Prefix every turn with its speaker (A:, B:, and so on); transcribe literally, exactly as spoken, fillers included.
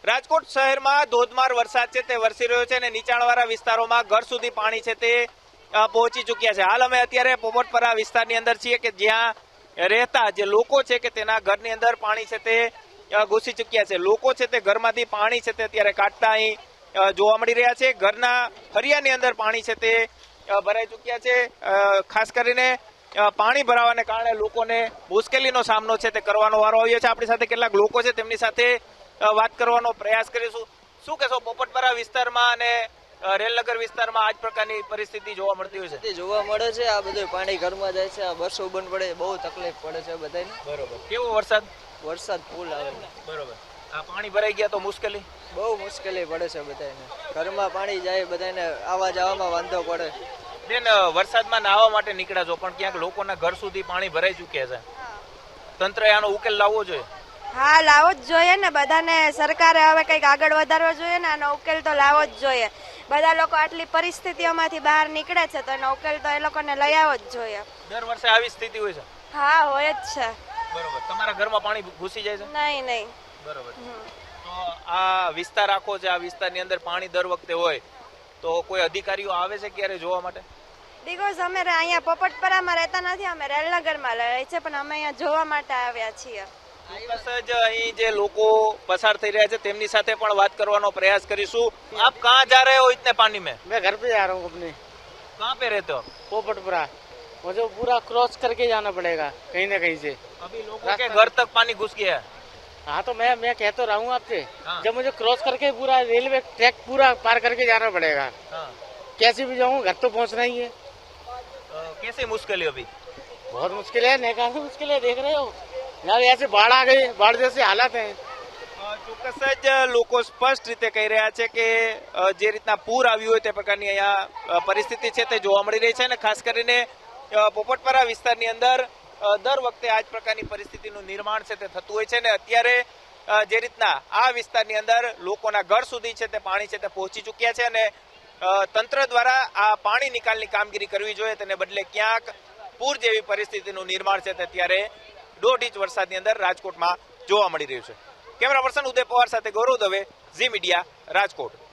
A: રાજકોટ શહેરમાં ધોધમાર વરસાદ છે તે વરસી રહ્યો છે અને નીચાણવાળા વિસ્તારોમાં ઘર સુધી પાણી છે તે પહોંચી ચૂક્યા છે. હાલ અમે અત્યારે પોપટપરા વિસ્તારની અંદર છીએ કે જ્યાં રહેતા જે લોકો છે કે તેના ઘરની અંદર પાણી છે તે ઘૂસી ચૂક્યા છે. લોકો છે તે ઘરમાંથી પાણી છે તે અત્યારે કાઢતા અહીં જોવા મળી રહ્યા છે. ઘરના ફરિયાની અંદર પાણી છે તે ભરાઈ ચૂક્યા છે. ખાસ કરીને પાણી ભરાવાને કારણે લોકોને મુશ્કેલીનો સામનો છે તે કરવાનો વારો આવ્યો છે. આપણી સાથે કેટલાક લોકો છે તેમની સાથે વાત કરવાનો પ્રયાસ કરીશું. શું કહેશો, પોપટપરા વિસ્તારમાં અને રેલનગર વિસ્તારમાં આ જ પ્રકારની પરિસ્થિતિ જોવા મળતી હોય છે?
B: જોવા મળે છે. આ બધું પાણી ઘરમાં જાય છે, આ બસો બંધ પડે, બહુ તકલીફ પડે છે બધાને.
A: બરોબર. કેવો વરસાદ?
B: વરસાદ ફૂલ આવે.
A: બરોબર. આ પાણી ભરાઈ ગયા તો મુશ્કેલી?
B: બહુ મુશ્કેલી પડે છે બધાને. ઘરમાં પાણી જાય, બધાને આવવા જવામાં વાંધો પડે.
A: બેન, વરસાદમાં નાહવા માટે નીકળ્યા છો પણ ક્યાંક લોકોના ઘર સુધી પાણી ભરાઈ ચૂક્યા છે. તંત્રએ આનો ઉકેલ લાવવો જોઈએ.
C: હા, લાવવો જ જોઈએ ને. બધાને સરકારે હવે કંઈક આગળ વધારવો જોઈએ ને. આનો ઉકેલ તો લાવવો જ જોઈએ. બધા લોકો આટલી પરિસ્થિતિઓમાંથી બહાર નીકળે છે તો એનો ઉકેલ તો એ લોકોને લઈ આવવો જ જોઈએ.
A: દર વર્ષે આવી સ્થિતિ હોય છે?
C: હા, હોય જ છે.
A: બરોબર. તમારા ઘરમાં પાણી ઘૂસી જાય છે?
C: નહીં નહીં.
A: બરોબર. તો આ વિસ્તાર આખો છે, આ વિસ્તારની અંદર પાણી દર વખતે હોય તો કોઈ અધિકારીઓ આવે છે ક્યારે જોવા માટે?
C: બિકોઝ અમે અહીંયા પોપટપરામાં રહેતા નથી, અમે રેલનગરમાં રહે છે, પણ અમે અહીંયા જોવા માટે આવ્યા છીએ.
A: ચોક્કસ જ અહીં જે લોકો પસાર થઈ રહ્યા છે તેમની સાથે પણ વાત કરવાનો પ્રયાસ કરીશું. આપ કહાં જા રહે હો ઇતને પાनी में?
D: मैं घर पे जा रहा हूँ अपने.
A: कहाँ पे रहते हो?
D: पोपटपुरा. मुझे पूरा क्रॉस करके जाना पड़ेगा कहीं ना कहीं से.
A: अभी लोगों के घर तक पानी घुस गया है.
D: हाँ, तो मैं मैं कह तो रहा हूँ आपसे,
A: हाँ.
D: जब मुझे क्रॉस करके पूरा रेलवे ट्रैक पूरा पार करके जाना पड़ेगा.
A: हाँ.
D: कैसे भी जाऊँ, घर तो पहुँचना ही है.
A: कैसी मुश्किल अभी?
D: बहुत मुश्किल है, नहीं काफी मुश्किल है. देख रहे हो यार, ऐसे बाढ़ आ गई, बाढ़ जैसे हालात है.
A: ચોક્કસ જ લોકો સ્પષ્ટ રીતે કહી રહ્યા છે કે જે રીતના પૂર આવ્યું હોય તે પ્રકારની અહીંયા પરિસ્થિતિ છે તે જોવા મળી રહી છે અને ખાસ કરીને પોપટપરા વિસ્તારની અંદર દર વખતે આ જ પ્રકારની પરિસ્થિતિનું નિર્માણ છે તે થતું હોય છે ને અત્યારે જે રીતના આ વિસ્તારની અંદર લોકોના ઘર સુધી છે તે પાણી છે તે પહોંચી ચૂક્યા છે અને તંત્ર દ્વારા આ પાણી નિકાલની કામગીરી કરવી જોઈએ તેને બદલે ક્યાંક પૂર જેવી પરિસ્થિતિનું નિર્માણ છે તે અત્યારે દોઢ ઇંચ વરસાદની અંદર રાજકોટમાં જોવા મળી રહ્યું છે. કેમેરા પર્સન ઉદય પવાર સાથે ગૌરવ દવે, ઝી મીડિયા, રાજકોટ.